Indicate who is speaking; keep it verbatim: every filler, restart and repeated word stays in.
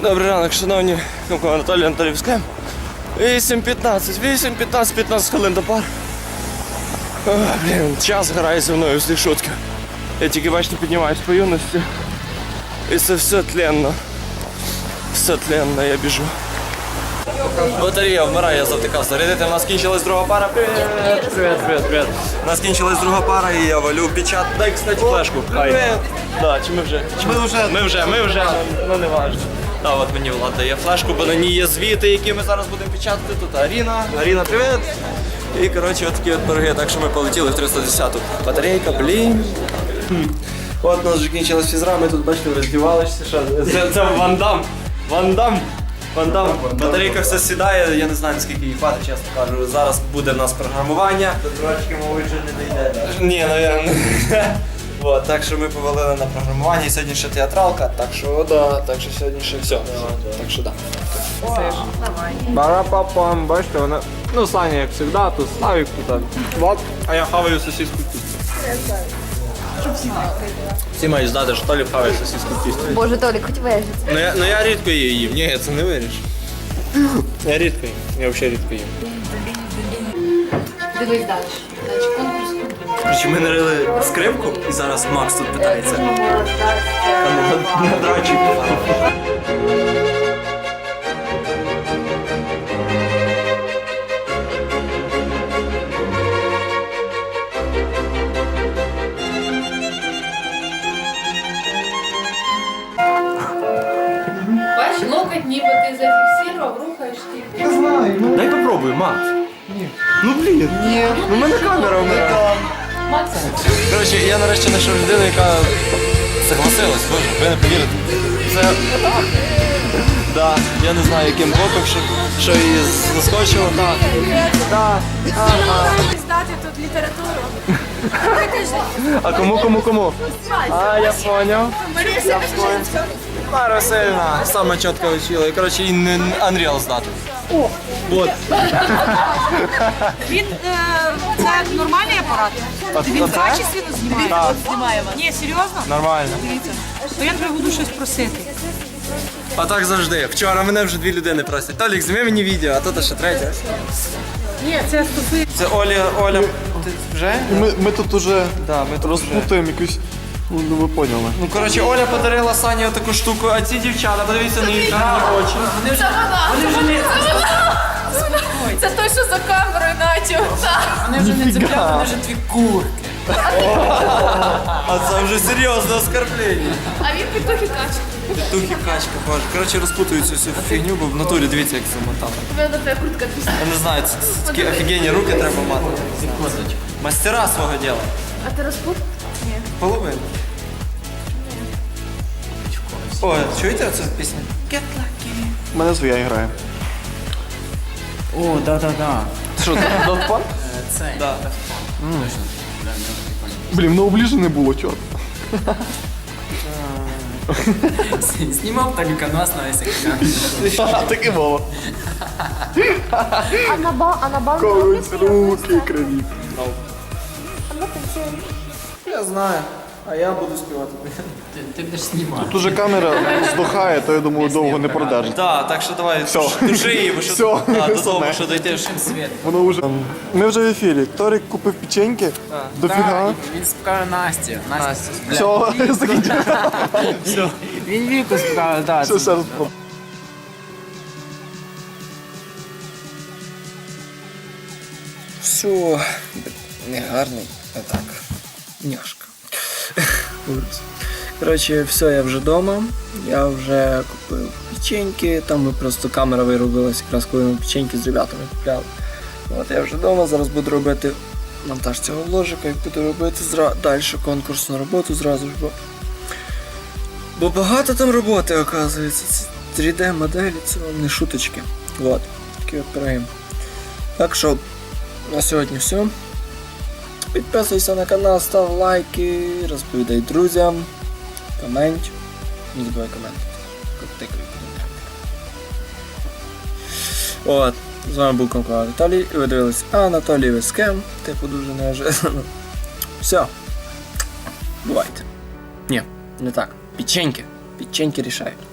Speaker 1: Добрий ранок, шановні, Анатолій Анатолійовський. вісім п'ятнадцять, вісім п'ятнадцять, п'ятнадцять хвилин до пар. О, блін, час грає зі мною всі шутки. Я тільки, бачите, піднімаюсь по юності. І це все тленно. Все тленно, я біжу. Батарея вмирає, я завтикав зарядити. У нас кінчилась друга пара. Привіт, привіт, привіт, привіт. У нас кінчилась друга пара і я валю печат. Дай, кстати, флешку. Привіт. Да, чи ми вже? Чи ми вже? Ми вже, ми вже, ну не важливо. Так, от мені Влад дає флешку, бо на ній є звіти, які ми зараз будемо печатати. Тут Аріна. Аріна, привіт. І, коротше, от такі от пироги, так що ми полетіли в триста десяту. Батарейка, блін. От у нас вже кінчилась фізра, ми тут, бачите, роздівалися. Це, це Ван Дам. Ван Дам. Ван Дам. Батарейка все сідає, я не знаю, наскільки їй хватить, чесно кажу. Зараз буде в нас програмування. До трошки, мабуть, вже не дійде. Ні, навірно. Вот, так що ми повалили на програмування, і сьогодні ще театралка, так що да, так що сьогодні ще все. Так що да. Бара-па-пам, бачите, вона, ну Саня як завжди, тут Славік, тут Влад, а я хаваю сосиску в тісті. Всі мають знати, що Толік хаває сосиску в тісті.
Speaker 2: Боже, Толік, хоч вижити.
Speaker 1: Ну я, ну я рідко її їм, ні, це не виріш. Я рідко їм, я взагалі рідко їм.
Speaker 2: Дивись далі. Далі конкурс.
Speaker 1: Короче, ми нарили скрипку і зараз Макс тут питається. Там не драчик.
Speaker 3: Бачиш, локоть ніби ти зафіксував, рухаєш ти.
Speaker 1: Я знаю. Дай попробуй, Макс. Ні. Ну блін. Ні. Ну в мене камера вмирає.
Speaker 3: Макс.
Speaker 1: Коротше, я нарешті знайшов людину, яка согласилась, боже, ви не повірите. Це так. Да, я не знаю, яким боком, що, що її заскочило, так. Так. Ага.
Speaker 3: Здати тут літературу.
Speaker 1: А кому, кому, кому? А, я поняв. Я поняв. Мара Васильівна саме чітко вчила. І, коротше, їй не Unreal здати. О, вот.
Speaker 4: Він, е, це нормальний апарат? Він качественно знімає?
Speaker 1: Так.
Speaker 4: Знімає вас. Ні, серйозно?
Speaker 1: Нормально.
Speaker 4: Дивіться. То я тебе буду щось просити.
Speaker 1: А так завжди. Вчора мене вже дві людини просять. Толік, зніми мені відео, а тут ще третє.
Speaker 4: Ні, це стосується.
Speaker 1: Це Оля, Оля, ти вже?
Speaker 5: Ми, ми тут уже
Speaker 1: Да, ми тут вже.
Speaker 5: розпутуємо якусь, ну ви поняли.
Speaker 1: Ну, коротше, Оля подарила Сані таку штуку, а ці дівчата, подивіться на їх гарні очі.
Speaker 3: Це вона! Це вона! Це той, що за камерою начав.
Speaker 4: Вони вже не цепляють, вони вже дві курки.
Speaker 1: А це вже серйозне оскорблення.
Speaker 3: А він петухи каче.
Speaker 1: Петухи, качка, боже. Коротше, розпутую цю всю фігню, бо в натурі дивіться, як замотано.
Speaker 3: Тебе на тебе куртка пісня.
Speaker 1: Я не знаю, це, це такі офігенні руки треба мати. Мастера свого діла.
Speaker 3: А ти розпут? Ні.
Speaker 1: Половину. О, чуєте оцю пісню?
Speaker 5: Мене своя грає.
Speaker 6: О, да-да-да.
Speaker 5: Що, Daft Punk?
Speaker 6: Це.
Speaker 1: Да.
Speaker 5: Блін, ну обліжу не було, чорт.
Speaker 6: Знімав Толіка нас на весь екран.
Speaker 5: А, таке було.
Speaker 2: А на ба, а на банку
Speaker 5: Колись руки криві.
Speaker 1: Я знаю. А я буду співати.
Speaker 6: Ти, ти будеш знімати.
Speaker 5: Тут уже камера здохає, то я думаю, довго не продержить.
Speaker 1: Так, так що давай,
Speaker 5: Всьо.
Speaker 1: души її, бо що
Speaker 5: Всьо.
Speaker 1: а, до того, що дойти.
Speaker 6: Світ.
Speaker 5: Воно вже. Ми вже в ефірі. Торік купив печеньки. Дофіга.
Speaker 6: Він спікає Насті. Настя.
Speaker 5: Все, закінчив.
Speaker 1: Все.
Speaker 6: Він віку спікає, так.
Speaker 5: Все, все.
Speaker 1: Все, не гарний, а так, няшка. Ужас. Коротше, все, я вже вдома, я вже купив печеньки, там ми просто камера виробилась, якраз коли ми печеньки з ребятами купляли. От я вже вдома, зараз буду робити монтаж цього вложика і буду робити зра... далі конкурсну роботу зразу ж, бо... Бо багато там роботи, оказується, це три дэ моделі, це вам не шуточки. От, такі от пироги. Так що, на сьогодні все. Підписуйся на канал, став лайки, розповідай друзям, комент. Не забувай коментувати. Тикай коментар. От, з вами був Конкурс Анатолій, і ви дивились Анатолій Вескем, типу дуже неожиданно. Все. Бувайте. Ні, не так. Печеньки. Печеньки рішають.